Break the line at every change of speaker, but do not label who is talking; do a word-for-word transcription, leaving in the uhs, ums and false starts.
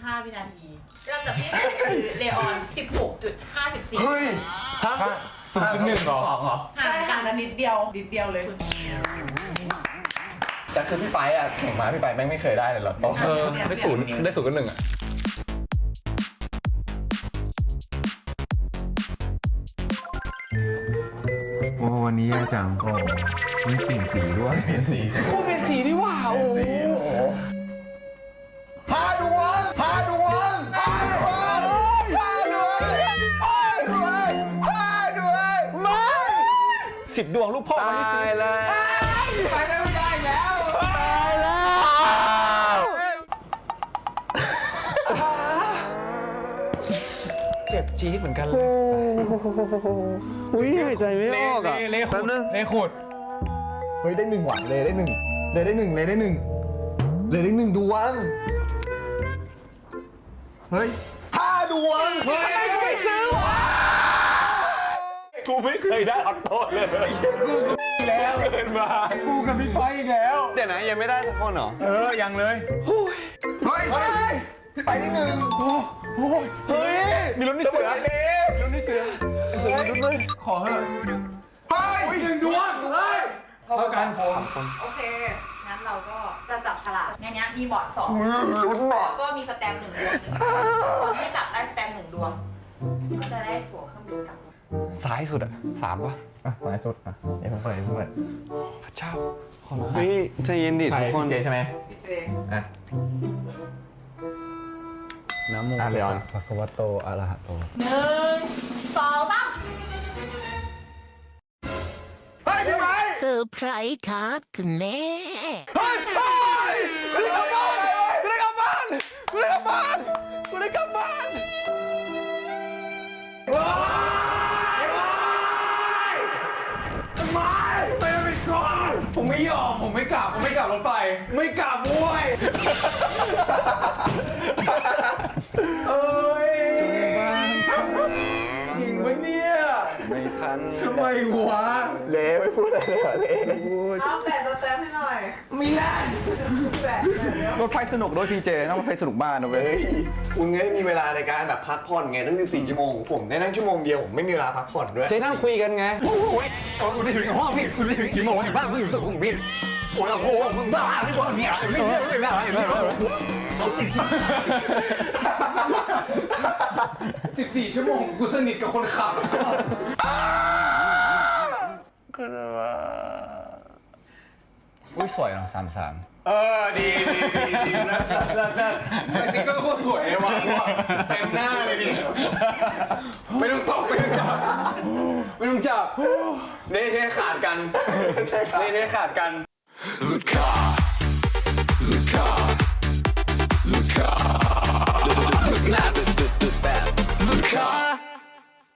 ห้าวินาทีลำดับที่หนึ่งคือเลออน สิบหกจุดห้าสี่
เฮ้ย
ศูนย์จุดหนึ่งหรอ
ห่างกันนิดเดียวนิดเดียวเลย
แต่คือพี่ไปอ่ะแข่งมาพี่ไปแม่งไม่เคยได้เลยหรอโต๊ะ
เออได้ศูนย์ได้ศูนย์กับหนึ่งอ่ะโอ้วันนี้แย่จังโอ้มีเปลี่ยนสีด้วยเปลี่ยนสีโอ้เปลี่ยนสีนี่ว่าโอ้โห
พาดวงพาดวงพาดวงพาดวงพาดวงพาดวงไม่
สิบดวงลูกพ่อวันนี้สี
ตายแล้วไปไม่ได้แล้วตายแล้ว
เจ็บจี๊ดเหมือนกันเลย
อุ้ยหายใจไม่ออกอ่ะ
เละขุดเละขุด
เฮ้ยได้หนึ่งหวัดเลยได้หนึ่งเลยได้หนึ่งเลยได้หนึ่งเลยได้หนึ่งดวงเฮ้ยห้าดวงเฮ้ยไม่ซื้อวะ
กูไม่เคยได้ออโต้เลยกูก็แล้วเกินมากูกับพี่ไฟอีกแล้วเดี๋ยวนะยังไม่ได้สักคนเหรอเออยังเลย
เฮ้ยเฮ้ยพี่ไปได้หนึ่ง
โอ้โห
เฮ้ย
มีลุ้นที่เสือมีลุ้นที่เสือเสือมีลุ้นเลยขอเถอะ
เฮ้ย
หนึ่งดวงเฮ้ยเท่ากันผม
โอเค งั้นเราก็จะจับฉลากในนี้มีบอร์ดสอง
ลุ้นหมด
แล้วก็มีสแตมป์หนึ่งดวงหนึ่งคนที่จับได้สแตมป์หนึ่งดวง ก็จะได้ตั๋วเครื่องบินกลับ
ซ้ายสุดอ่ะสามป่ะ
อ่ะสายสุดอ่ะเดี๋ยวผมเปิดผมเปิด
พระเจ้าขอ
เฮ้ยใจเย็นดิทุกคน
เจใช่ไหม
พี่เจ
อ่ะ
น้ำมู
อ่ะเลออน
พระคัมภโตอะระหะโต
หนึ่งสองสาม
เฮ้ยพี่ไป
เซอร์ไพรส์ครับคุณแม่
เฮ้ยเฮ้ยกูได้กลับบ้านกูได้กลับบ้านกูได้กลับบ้านกูได้กลับบ้านว้ายว้ายทำไมไม่เป็นก่อน
ผมไม่ยอมผมไม่กลับผมไม่กลับรถไฟไม่กลับบ้วยเอ้ยจริงปะเนี่ย
ไม่ทัน
ทำไมวะ
เละไม่พูดอะไรเลยเหรอเละ
เอาแปะสแตมป์ให้หน่อย
มีแรง
แปะหน่อยเร็ว
รถไฟสนุกด้วยพีเจต้องรถไฟสนุกบ้านนะเว้ย
เฮ้ยคุณไงมีเวลาในการแบบพักผ่อนไงตั้งสิบสี่ชั่วโมงผมได้นั่งชั่วโมงเดียวผมไม่มีเวลาพักผ่อนด้วย
เจนั่งคุยกันไง
โอ้ยคุณได้ถึงห้องพี่คุณได้ถึงกี่โมงบ้านคุณอยู่สุขุมวิทโอ้โหมึงบ้าไม่บ้าเนี่ยไม่ไม่ไม่บ้าไม่บ้าสิบสี่ชั่วโมงกูสนิทกับคนขับ
ก็จะว่า
อุ้ยสวยเนาะสามสาม
เออดีดีดีดีนะแล้วแล้วสติ๊กเกอร์โคตรสวยเลยว่ะเต็มหน้าเลยดิไม่ต้องตกไม่ต้องจับไม่ต้องจับเน่เน่ขาดกันเน่เน่ขาดกัน
หลุดขา